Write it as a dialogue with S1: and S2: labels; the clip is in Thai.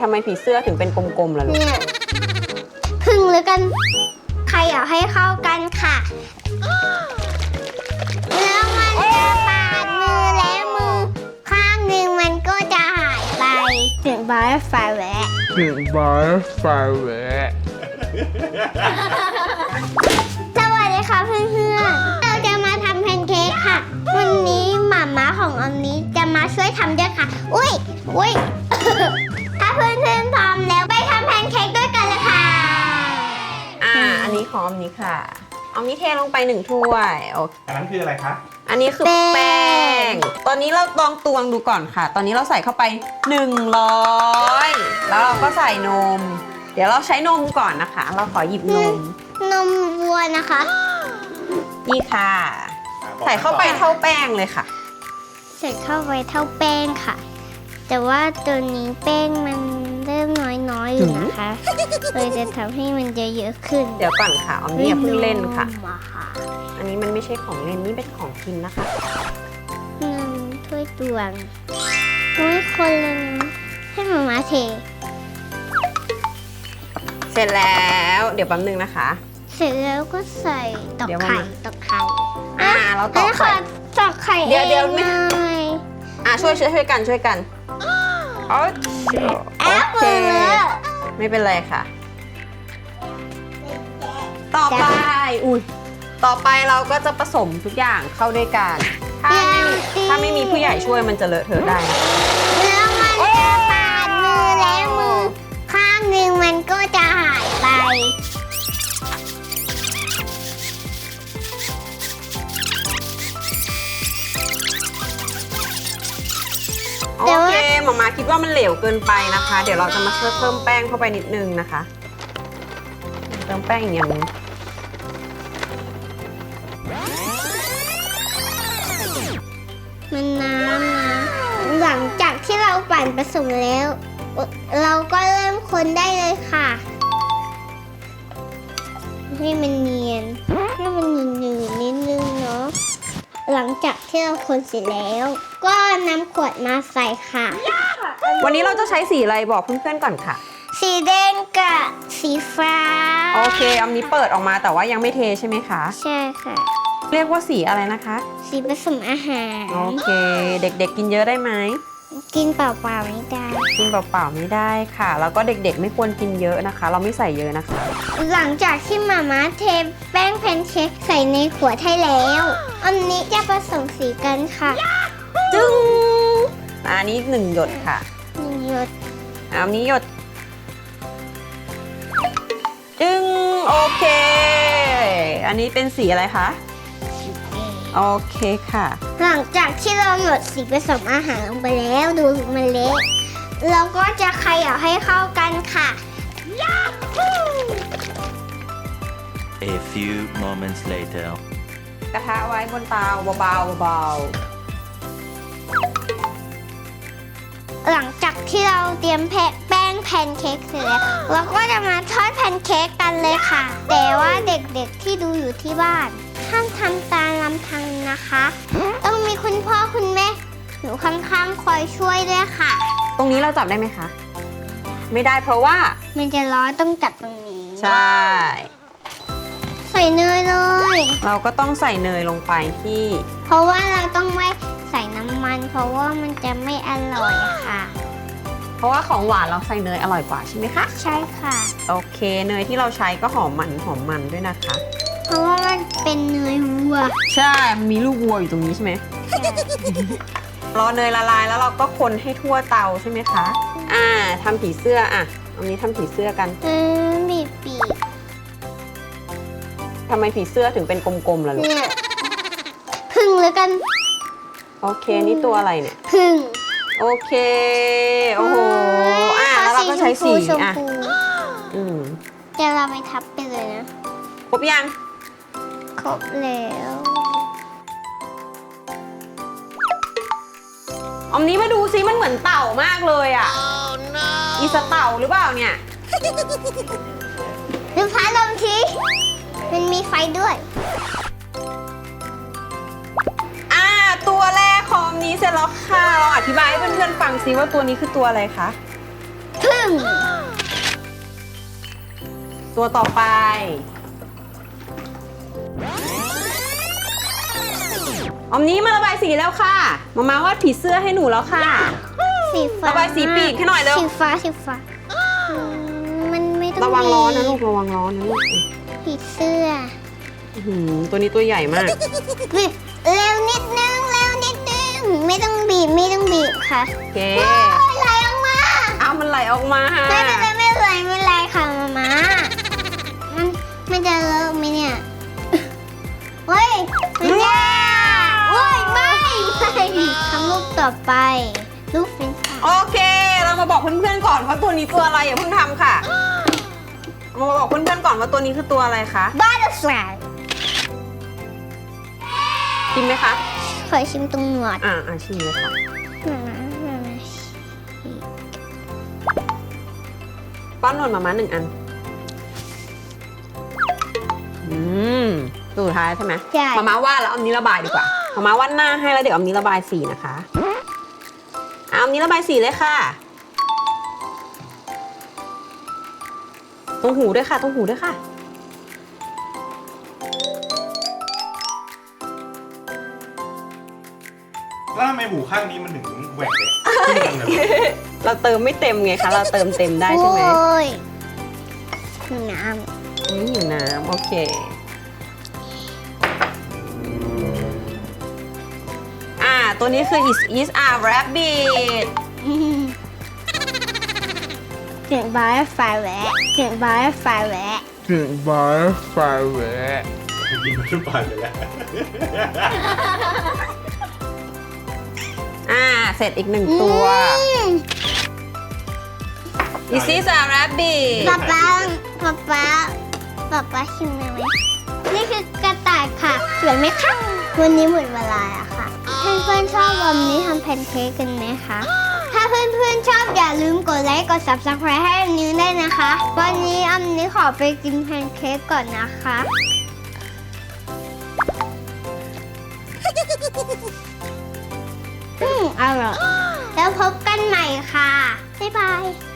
S1: ทำไมผีเสื้อถึงเป็นกลมๆล่ะลูก
S2: เนี่ยพึ่งหรือกันใครอยากให้เข้ากันค่ะแล้วมันจะปาดมือและมือข้างหนึ่งมันก็จะหายไปถึงบายไฟแวะ สวัสดีค่ะเพื่อนๆเราจะมาทำแพนเค้กค่ะ วันนี้หม่าม้าของออมนี้จะมาช่วยทำด้วยค่ะ อุ้ย ถ้าเพื่อนๆพร้อมแล้วไปทำแพนเค้กด้วยกันเลยค่ะ
S1: อันนี้ของออมนี้ค่ะออมนี้เทลงไป1 ถ้วยโอเค
S3: อันนั้นคืออะไรคะ
S1: อันนี้คือแป้ง ตอนนี้เราลองตวงดูก่อนค่ะ ตอนนี้เราใส่เข้าไป100แล้วเราก็ใส่นม เดี๋ยวเราใช้นมก่อนนะคะ เราขอหยิบนม
S2: นมวัวนะคะ
S1: นี่ค่ะ ใส่เข้าไปเท่าแป้งเลยค่ะ
S2: ใส่เข้าไปเท่าแป้งค่ะ แต่ว่าตัวนี้แป้งมันเริ่มน้อยๆอยู่นะคะเลยจะทำให้มันเยอะๆขึ้น
S1: เดี๋ยวก่อนค่ะออมนี่อย่าเพิ่งเล่นค่ะ
S2: มอะค่ะ
S1: อันนี้มันไม่ใช่ของเล่นนี่เป็นของกินนะคะ
S2: ถ้วยตวงอุ้ยคนเลยนะให้หมาเท
S1: เสร็จแล้วเดี๋ยวแป๊บนึงนะคะ
S2: เสร็จแล้วก็ใส่ตอก
S1: เดี๋ยว
S2: ไข่
S1: มา
S2: ตอกไข่
S1: เราตอกไข่
S2: ตอกไข่
S1: เดี๋ยวไม่
S2: องเลย
S1: ช่วยกันโอ
S2: แอป
S1: เค
S2: เปิล
S1: ไม่เป็นไรค่ะ ต่อไปต่อไปเราก็จะผสมทุกอย่างเข้าด้วยกันถ้าไม่มีผู้ใหญ่ช่วยมันจะเลอะเทอะได้นะ
S2: แล้วมันจะปาดมือและมือข้างหนึ่งมันก็จะหายไป
S1: โอเคหมาคิดว่ามันเหลวเกินไปนะคะ เดี๋ยวเราจะมาเพิ่มแป้งเข้าไปนิดนึงนะคะ เติมแป้งอีกอย่างนึง
S2: มันน้ำนะหลังจากที่เราปั่นผสมแล้ว เราก็เริ่มคนได้เลยค่ะ ให้มันเนียนให้มันหนืดๆนิดนึงเนาะหลังจากที่เราคนเสร็จแล้ว ก็นำขวดมาใส่ค่ะ
S1: วันนี้เราจะใช้สีอะไรบอกเพื่อนๆก่อนค่ะ
S2: สีแดงกับสีฟ้า
S1: โอเคอันนี้เปิดออกมาแต่ว่ายังไม่เทใช่ไหมคะ
S2: ใช่ค่ะ
S1: เรียกว่าสีอะไรนะคะ
S2: สีผสมอาหาร
S1: โอเค เด็กๆกินเยอะได้ไหม
S2: กินเปล่าๆไม่ได้
S1: กินเปล่าๆไม่ได้ค่ะ แล้วก็เด็กๆไม่ควรกินเยอะนะคะ เราไม่ใส่เยอะนะคะ
S2: หลังจากที่มาม่าเทแป้งแพนเค้กใส่ในขวดให้แล้ว อันนี้จะผสมสีกันค่ะ
S1: จึ้งอันนี้1 หยดค่ะ
S2: หยด
S1: อันนี้หยด จึ้งโอเค อันนี้เป็นสีอะไรคะ โอเคค่ะ
S2: หลังจากที่เราหยดสีผสมอาหารลงไปแล้วดูมันเละเราก็จะเขย่าให้เข้ากันค่ะ
S4: A few moments later.
S1: กระทะไว้บนเตาเบา
S2: หลังจากที่เราเตรียมแป้งแพนเค้กเสร็จแล้วเราก็จะมาทอดแพนเค้กกันเลยค่ะ แต่ว่าเด็กๆที่ดูอยู่ที่บ้านห้ามทำตามลำพังนะคะ ต้องมีคุณพ่อคุณแม่หนูข้างๆคอยช่วยด้วยค่ะ
S1: ๆ ตรงนี้เราจับได้ไหมคะ ไม่ได้เพราะว่า
S2: มันจะร้อนต้องจับตรงนี้
S1: ใช่
S2: ใส่เนยเลย
S1: เราก็ต้องใส่เนยลงไปที่
S2: เพราะว่าเราต้องไม่ใส่น้ำมัน เพราะว่ามันจะไม่อร่อยค่ะ
S1: เพราะว่าของหวานเราใส่เนยอร่อยกว่าใช่ไหมคะ
S2: ใช่ค่ะ
S1: โอเค เนยที่เราใช้ก็หอมมันด้วยนะคะ
S2: เพราะว่ามันเป็นเนยวัว
S1: ใช่มันมีลูกวัวอยู่ตรงนี้ใช่ไหม รอเนยละลายแล้วเราก็คนให้ทั่วเตาใช่ไหมคะทำผีเสื้ออันนี้ทำผีเสื้อกัน
S2: บีบปีก
S1: ทำไมผีเสื้อถึงเป็นกลมๆล่ะลูก
S2: เนี่ยพึ่งหรือกัน
S1: โอเค นี่ตัวอะไรเนี่ย
S2: พึ่ง
S1: โอเค โอ้โห แล้วเราก็ใช้สี
S2: ชมพู
S1: อืม
S2: จะเราไปทับไปเลยนะ
S1: ครบยัง
S2: ครบแล้ว
S1: อมนี้มาดูซิมันเหมือนเต่ามากเลยอีสเต่าหรือเปล่าเนี่ย
S2: ดูพัดลมทีมันมีไฟด้วย
S1: ตัวแรกของอมนี้เสร็จแล้วค่ะเราอธิบายให้เพื่อนๆฟังซิว่าตัวนี้คือตัวอะไรคะ
S2: พึ่งง
S1: ตัวต่อไปออมนี้มาระบายสีแล้วค่ะมาวาดผีเสื้อให้หนูแล้วค่ะ
S2: สีฟ้า
S1: ระบายสีปีกให้หน่อยเร็ว
S2: สีฟ้ามันไม่ต้อง
S1: ระวังร้อนนะลูกระวังร้อนนะลูก
S2: ผีเสื้อ
S1: อื้อหือตัวนี้ตัวใหญ่มาก
S2: บีบเร็วนิดนึงไม่ต้องบีบค่ะ
S1: โอเค
S2: โอ้ยไหลออกมา
S1: เอามันไหลออกมาค่ะ
S2: ไม่เป็นไรค่ะมามันจะเลอะไหมเนี่ยเฮ้ยไม่ได้โอ้ยไม่ทำรูปต่อไปรูปเฟรนช์ฟราย
S1: โอเค เรามาบอกเพื่อนๆก่อนว่าตัวนี้ตัวอะไรอย่าเพิ่งทำค่ะมาบอกเพื่อนๆก่อนว่าตัวนี้คือตัวอะไรคะ
S2: บัตเตอร์ฟลาย
S1: ชิมไหมคะ
S2: ขอชิมตรงหนวด
S1: ชิมเลยค่ะป้อนนวลมาม่า1 อันตัวสุดท้ายใช่ไหม
S2: ใช่
S1: มาม่าวาดแล้วออมนี้ระบายดีกว่ามาม่าวาดหน้าให้แล้วเดี๋ยวออมนี้ระบายสีนะคะออมนี้ระบายสีเลยค่ะตรงหูด้วยค่ะตรงหูด้วยค่ะ
S3: แล้วทำไมหูข้างนี้มันถึงแหว่งเลยขึ้นจังเลย
S1: เราเติมไม่เต็มไงคะ เราเติมเต็มได้ใช่ไหม
S2: โอ้ยน้
S1: อยู่น้ำโอเค ตัวนี้คือ is a rabbit
S2: ำเสียงบาร์ไฟแวะ
S3: กินมันขึ้นไปเลยแหละ
S1: เสร็จอีก1 ตัว is a rabbit
S2: ป๊าชิมได้ไหมนี่คือกระต่ายค่ะสวยไหมคะวันนี้หมดเวลาแล้วค่ะเพื่อนๆชอบวันนี้ทำแพนเค้กกันไหมคะถ้าเพื่อนๆชอบอย่าลืมกดไลค์กด subscribe ให้อันนี้ได้วยนะคะ วันนี้อันนี้ขอไปกินแพนเค้กก่อนนะคะอร่อยแล้วพบกันใหม่ค่ะบ๊ายบาย